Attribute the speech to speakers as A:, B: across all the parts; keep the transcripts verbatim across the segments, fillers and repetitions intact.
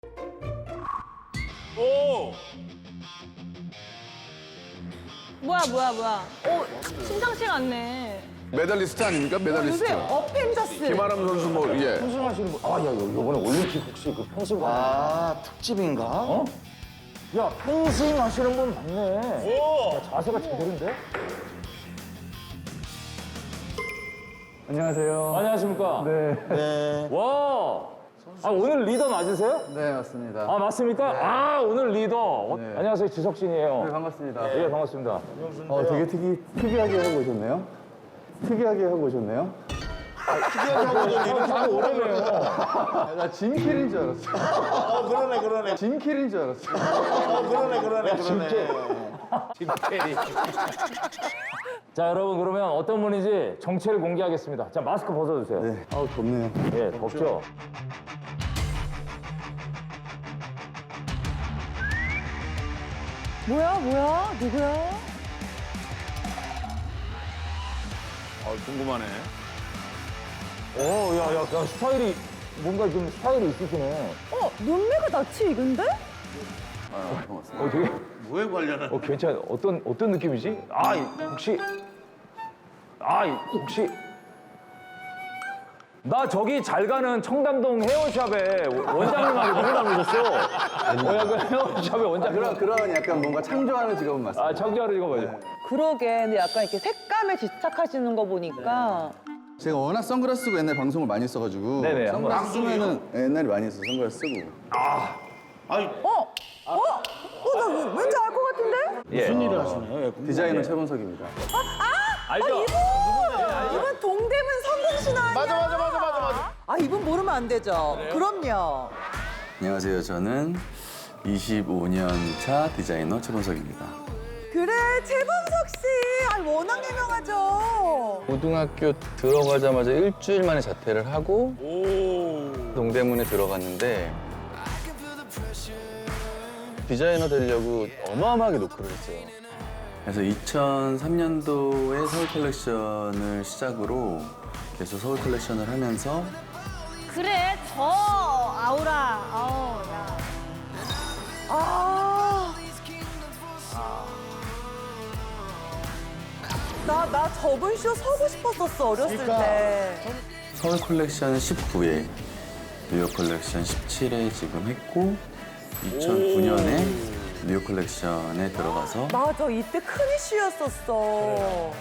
A: 오!
B: 뭐야 뭐야 뭐야. 어 심상치가 않네.
C: 메달리스트 아닙니까? 메달리스트.
B: 요새 어펜져스.
C: 김아람 선수 뭐 예.
D: 펜싱하시는 분. 아, 야, 이번에 올림픽 혹시 그 펜싱 가?
E: 아, 특집인가?
D: 어? 야, 펜싱 하시는 분 맞네.
A: 오!
D: 야, 자세가 제대로인데? 안녕하세요. 안녕하십니까? 네.
E: 네.
D: 와! 아, 오늘 리더 맞으세요?
F: 네, 맞습니다.
D: 아, 맞습니까? 아, 오늘 리더. 어,
F: 네.
D: 안녕하세요, 지석진이에요.
F: 네, 반갑습니다.
D: 예, 반갑습니다.
F: 어, 되게 특이, 특이하게 하고 오셨네요. 특이하게 하고 오셨네요.
E: 특이하게 하고 있는
D: 참 오래네요.
F: 아, 나 짐킬인 줄 알았어.
E: 어, 그러네, 그러네.
F: 짐킬인 줄 알았어.
E: 어, 그러네, 그러네, 그러네.
D: 김태리. 자, 여러분, 그러면 어떤 분인지 정체를 공개하겠습니다. 자, 마스크 벗어주세요.
F: 네, 아우, 덥네요.
D: 예, 덥죠?
B: 뭐야 뭐야 누구야?
A: 아, 궁금하네.
D: 오, 야, 야, 야, 스타일이, 뭔가 좀 스타일이 있으시네.
B: 어 눈매가 낯이 익은데?
D: 어, 되게,
E: 뭐에 관련한?
D: 어, 괜찮아. 어떤, 어떤 느낌이지? 아, 이- 혹시, 아, 이- 혹시. 나 저기 잘 가는 청담동 헤어샵에 원장님하고 누구 닮으셨어? 어, 약간 헤어샵에 원장님.
F: 그런, 그런 약간 뭔가 창조하는 직업은 맞습니다.
D: 아, 청자를 이거 뭐죠?
G: 그러게, 근데 약간 이렇게 색감에 집착하시는 거 보니까
F: 제가 워낙 선글라스 쓰고 옛날에 방송을 많이 써가지고.
D: 네네, 한번.
F: 선글라스 쓰면은 옛날에 많이 했어, 선글라스 쓰고.
E: 아니,
G: 어? 어? 어, 나 왠지 알 것 같은데?
D: 예.
E: 무슨 일을 하시나요? 예, 궁금하네.
F: 디자이너 최범석입니다.
D: 알죠?
G: 이분 동대문 성공신 아니야?
E: 맞아, 맞아, 맞아, 맞아, 맞아.
G: 아, 이분 모르면 안 되죠. 그럼요.
F: 안녕하세요. 저는 이십오 년 차 디자이너 최범석입니다.
G: 그래, 최범석 씨. 아, 워낙 유명하죠.
F: 고등학교 들어가자마자 일주일 만에 자퇴를 하고
A: 오!
F: 동대문에 들어갔는데 디자이너 되려고 어마어마하게 노크를 했어요. 그래서 이천삼 년도에 서울 컬렉션을 시작으로 계속 서울 컬렉션을 하면서
B: 그래 저 아우라. 아우 야.
G: 아. 나, 나 저번 쇼 서고 싶었었어, 어렸을 때.
F: 서울 컬렉션 십구 회, 뉴욕 컬렉션 십칠 회 지금 했고 이천구 년에 뉴욕 컬렉션에 들어가서
G: 맞아, 이때 큰 이슈였었어.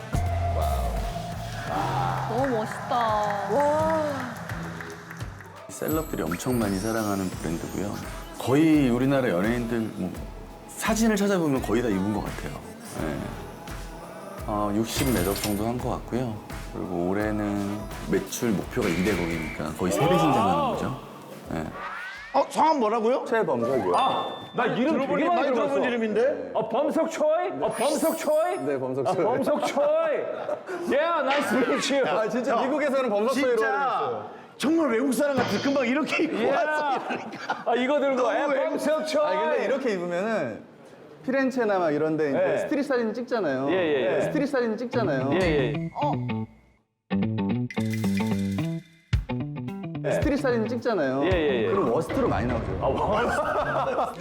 B: 너무 멋있다.
G: 와.
F: 셀럽들이 엄청 많이 사랑하는 브랜드고요. 거의 우리나라 연예인들 뭐 사진을 찾아보면 거의 다 입은 것 같아요. 네. 어, 육십 매덕 정도 한 것 같고요. 그리고 올해는 매출 목표가 이백억이니까 거의 세 배 신장하는 거죠. 네.
E: 어, 성함 뭐라고요?
F: 최범석이요.
D: 아, 나 이름 되게
E: 들어보니
D: 많이
E: 많이
D: 들어봤어.
E: 들어본 이름인데?
D: 어, 범석 초이? 어, 범석 초이?
F: 네, 범석
D: 아,
F: 초이.
D: 범석 초이. Yeah, nice to meet you.
F: 아, 진짜 미국에서는 범석소이로
E: 진짜 정말 외국 사람 같아. 금방 이렇게 입고 왔어.
D: Yeah. 아, 이거 들고, 에, 범석 초이.
F: 아 근데 이렇게 입으면은 피렌체나 막 이런데 이제
D: 네.
F: 스트릿 사진 찍잖아요.
D: 예, 예, 예.
F: 스트릿 사진 찍잖아요.
D: 예, 예.
F: 스트릿 사진 찍잖아요.
D: 예, 예, 예.
F: 그럼 워스트로 많이 나오죠.
D: 아, 뭐.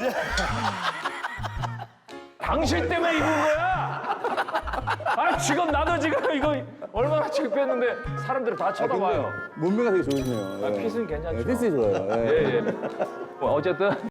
D: 당신 때문에 입은 거야? 아, 지금 나도 지금 이거 얼마나 창피했는데 사람들이 다 쳐다봐요.
F: 몸매가 되게 좋으시네요.
D: 아,
F: 예.
D: 핏은 괜찮죠?
F: 네, 핏이 좋아요. 예.
D: 예, 예. 뭐 어쨌든